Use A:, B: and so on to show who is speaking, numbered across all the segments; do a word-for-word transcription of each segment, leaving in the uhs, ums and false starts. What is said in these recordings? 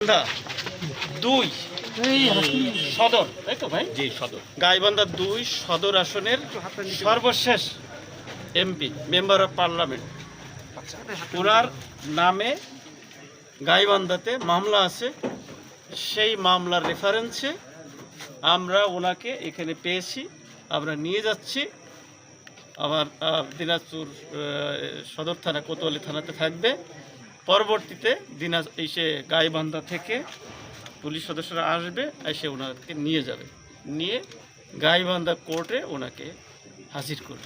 A: দুই সদর, তাই তো ভাই?
B: জি সদর।
A: গাইবান্ধা দুই সদর আসনের সর্বশেষ এমপি, মেম্বার অফ পার্লামেন্ট, ওনার নামে গাইবান্ধাতে মামলা আছে। সেই মামলার রেফারেন্সে আমরা ওনাকে এখানে পেয়েছি, আমরা নিয়ে যাচ্ছি। আমার দিনাজপুর সদর থানা, কোতোয়ালি থানাতে থাকবে। পরবর্তীতে দিনাজ এসে গাইবান্ধা থেকে পুলিশ সদস্যরা আসবে, এসে ওনাকে নিয়ে যাবে, নিয়ে গাইবান্ধা কোর্টে ওনাকে হাজির করবে।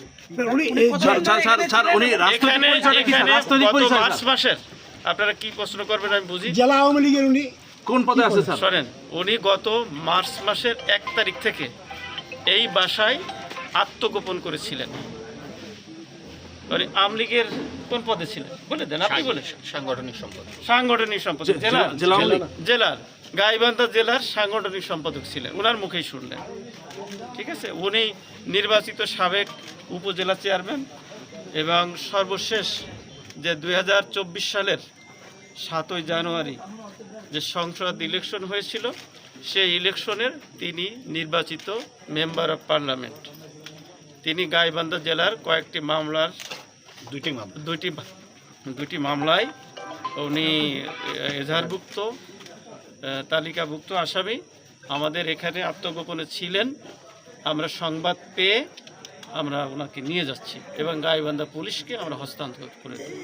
A: মার্চ মাসের, আপনারা কি প্রশ্ন করবেন আমি বুঝি।
C: জেলা আওয়ামী লীগের উনি
B: কোন পদে আছে স্যার?
A: শোনেন, উনি গত মার্চ মাসের এক তারিখ থেকে এই বাসায় আত্মগোপন করেছিলেন। আওয়ামী লীগের কোন পদে ছিলেন বলে দেন, আপনি বলে।
B: সাংগঠনিক সম্পাদক।
A: সাংগঠনিক সম্পাদক জেলার জেলার গাইবান্ধা জেলার সাংগঠনিক সম্পাদক ছিলেন, ওনার মুখেই শুনলেন। ঠিক আছে, উনি নির্বাচিত সাবেক উপজেলা চেয়ারম্যান এবং সর্বশেষ যে দুই হাজার চব্বিশ সালের সাতই জানুয়ারি যে সংসদ ইলেকশন হয়েছিল, সেই ইলেকশনের তিনি নির্বাচিত মেম্বার অফ পার্লামেন্ট। তিনি গাইবান্ধা জেলার কয়েকটি মামলার
B: দুইটি মামলা
A: দুইটি দুইটি মামলায় উনি এজাহারভুক্ত, তালিকাভুক্ত আসামি। আমাদের এখানে আত্মগোপনে ছিলেন, আমরা সংবাদ পেয়ে আমরা ওনাকে নিয়ে যাচ্ছি এবং গাইবান্ধা পুলিশকে আমরা হস্তান্তর করে দেব।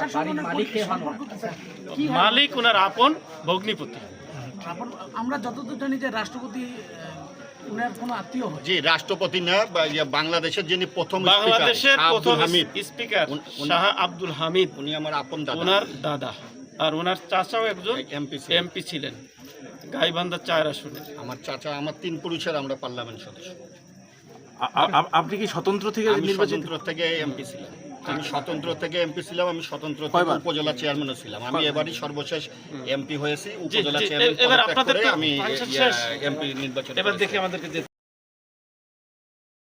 A: মালিক ওনার আপন ভগ্নিপতি।
C: আমরা যতদূর জানি যে রাষ্ট্রপতি উনার কোনো আত্মীয় হয়।
B: জি, রাষ্ট্রপতি না, বাংলাদেশের যিনি প্রথম
A: বাংলাদেশের প্রথম
B: হামিদ
A: স্পিকার শাহ আব্দুল হামিদ,
B: উনি আমার আপন দাদা,
A: ওনার দাদা। আর ওনার চাচাও একজন
B: এমপি
A: এমপি ছিলেন গাইবান্ধা চার আসনে।
B: আমার চাচা, আমার তিন পুরুষের আমরা পার্লামেন্ট সদস্য।
D: আপনি কি স্বতন্ত্র থেকে নির্বাচিত?
B: স্বতন্ত্র থেকে এমপি ছিলাম, আমি স্বতন্ত্র থেকে এমপি ছিলাম, আমি স্বতন্ত্র থেকে উপজেলা চেয়ারম্যানও ছিলাম। আমি এবারই সর্বশেষ এমপি হয়েছি উপজেলা চেয়ারম্যান।
A: এবার আপনাদের
B: আমি এমপি নির্বাচন।
A: এবার দেখি আমাদেরকে